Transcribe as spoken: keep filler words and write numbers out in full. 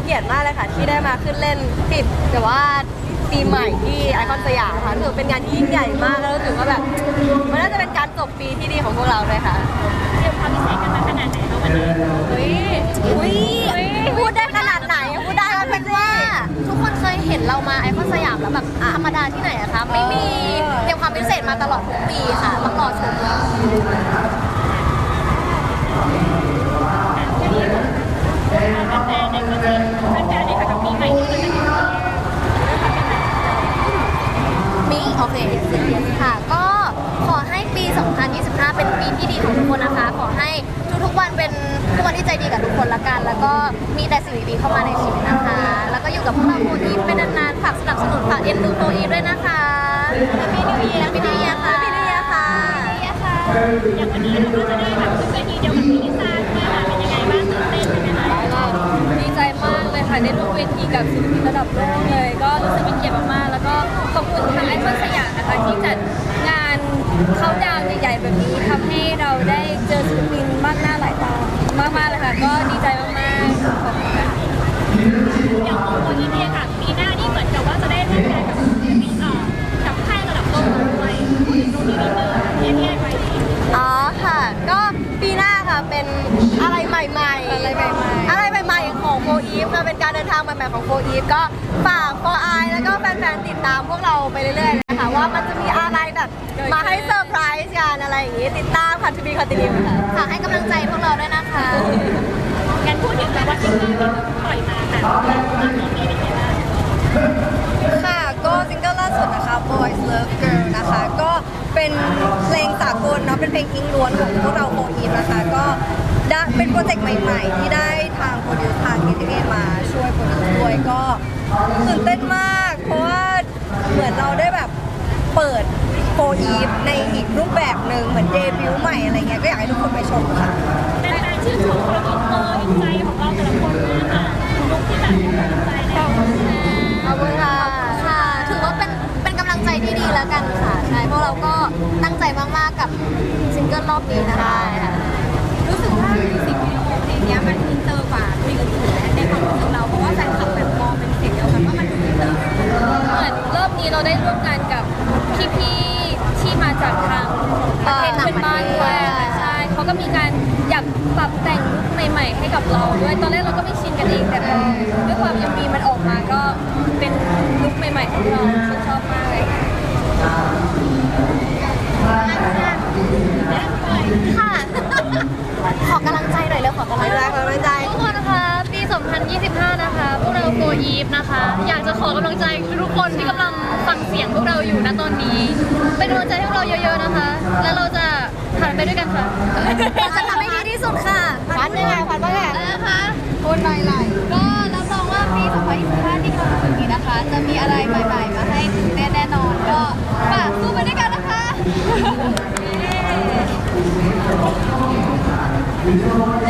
เกียรติมากเลยค่ะที่ได้มาขึ้นเล่นติดแต่ว่าปีใหม่ที่ไอคอนสยามค่ะถือเป็นงานที่ยิ่งใหญ่มากแล้วรู้สึกว่าแบบมันน่าจะเป็นการจบปีที่ดีของพวกเราเลยค่ะเตรียมความพิเศษกันมาขนาดไหนคะวันนี้อุ้ยอุ้ยพูดได้ขนาดไหนพูดได้ว่าเป็นว่าทุกคนเคยเห็นเรามาไอคอนสยามแล้วแบบธรรมดาที่ไหนอะคะไม่มีเตรียมความพิเศษมาตลอดทุกปีค่ะต้องรอชมเลยแฟนๆในวันนี้แฟนๆในค่ะกับปีใหม่ที่จะถึงมีโอเคค่ะก็ขอให้ปี สองพันยี่สิบห้า เป็นปีที่ดีของทุกคนนะคะขอให้ทุกๆวันเป็นทุกวันที่ใจดีกับทุกคนละกันแล้วก็มีแต่สิ่งดีๆเข้ามาในชีวิตนะคะแล้วก็อยู่กับพวกเราโฟอีฟเป็นนานๆฝากสนับสนุนฝากเอ็นดูโฟอีฟด้วยนะคะพี่นิวเยียร์พี่นิวเยียร์ค่ะพี่นิวเยียร์ค่ะอย่างวันนี้เราก็จะได้แบบขึ้นเวทีเดียวกับพี่ลิซ่าด้วยค่ะเป็นยังไงบ้างตื่นเต้นไหมคะดีใจมากเลยค่ะได้ร่วมเวทีกับศิลปินระดับโลกเลยก็รู้สึกเป็นเกียรติมากๆแล้วก็ขอบคุณทางไอคอนสยามนะคะที่จัดงานเข้าดาวน์ใหญ่ๆแบบนี้ทำให้เราได้เจอศิลปินมากหน้าหลายตามากๆเลยค่ะก็ดีใจมากๆขอบคุณค่ะอย่างของโฟอีฟเนี่ยค่ะปีหน้านี่เหมือนกับว่าจะได้ร่วมงานกับศิลปินเอ่อกับค่ายระดับโลกด้วยตรงนี้นิดนึงเอเอไว้อ๋อค่ะก็ปีหน้าค่ะเป็นอะไรใหม่ๆอะไรใหม่ๆอะไรใหม่ๆของโฟอีฟค่ะเป็นการเดินทางใหม่ๆของโฟอีฟก็ฝากโฟไอแล้วก็แฟนๆติดตามพวกเราไปเรื่อยๆนะคะว่ามันจะมีอะไรแบบมาให้เซอร์ไพรส์กันอะไรอย่างงี้ติดตามค่ะทีวีคอนติเนียค่ะฝากให้กำลังใจพวกเราด้วยนะคะงั้นพูดถึงแบบว่าซิงเกิลที่ปล่อยมาค่ะตอนนี้มีเป็นยังไงบ้างค่ะก็ซิงเกิลล่าสุดนะคะ Boys Love Girl นะคะก็เป็นเพลงสากลเนาะเป็นเพลงอิงล้วนของพวกเราโฟอีฟนะคะก็ได้เป็นโปรเจกต์ใหม่ๆที่ได้ทางโปรดิวซ์ทาง เค ที เอ มาช่วยโปรดิวซ์ด้วยก็ตื่นเต้นมากเพราะว่าเหมือนเราได้แบบเปิดโฟอีฟในอีกรูปแบบหนึ่งเหมือนเดบิวต์ใหม่อะไรเงี้ยก็อยากให้ทุกคนไปชมค่ะแฟนๆชื่นชมความอินเตอร์อินใจของเราแต่ละคนมากค่ะลุคที่แบบอินใจเนี่ยขอบคุณค่ะค่ะถือว่าเป็นเป็นกำลังใจที่ดีแล้วกันค่ะใช่พวกเราก็ตั้งใจมากๆกับซิงเกิลรอบนี้นะคะรู้สึกว่าสิ่งวิดีโอเพลงนี้มันอินเตอร์กว่าเพลงอื่นๆในความรู้สึกเราเพราะว่าแฟนคลับแบบมองเป็นเสียงเดียวกันว่ามันดูอินเตอร์เหมือนรอบนี้เราได้ร่วมงานกับพี่ๆที่มาจากทางประเทศเพื่อนบ้านด้วยใช่เขาก็มีการอยากปรับแต่งลุคใหม่ๆให้กับเราด้วยตอนแรกเราก็ไม่ชินกันเองแต่พอด้วยความ เอ็ม วี มันออกมาก็เป็นลุคใหม่ๆของเราฉันชอบมากเลยค่ะ ขอกำลังใจหน่อยเร็วขอกำลังใจขอกำลังใจทุกคนนะคะปี สองพันยี่สิบห้า นะคะพวกเราโฟอีฟนะคะอยากจะขอกำลังใจทุกคนที่กำลังฟังเสียงพวกเราอยู่ณตอนนี้เป็นกำลังใจให้พวกเราเยอะๆนะคะแล้วเราจะผ่านไปด้วยกันค่ะเราจะทำให้ดีที่สุดค่ะพันยังไงพันว่าไงนะคะพูดหน่อยหน่อยก็รับรองว่าปี สองพันยี่สิบห้า ที่กำลังถึงนี้นะคะจะมีอะไรใหม่ๆมาให้ตื่นเต้นแน่นอนก็ฝากสู้ไปด้วยกันนะคะ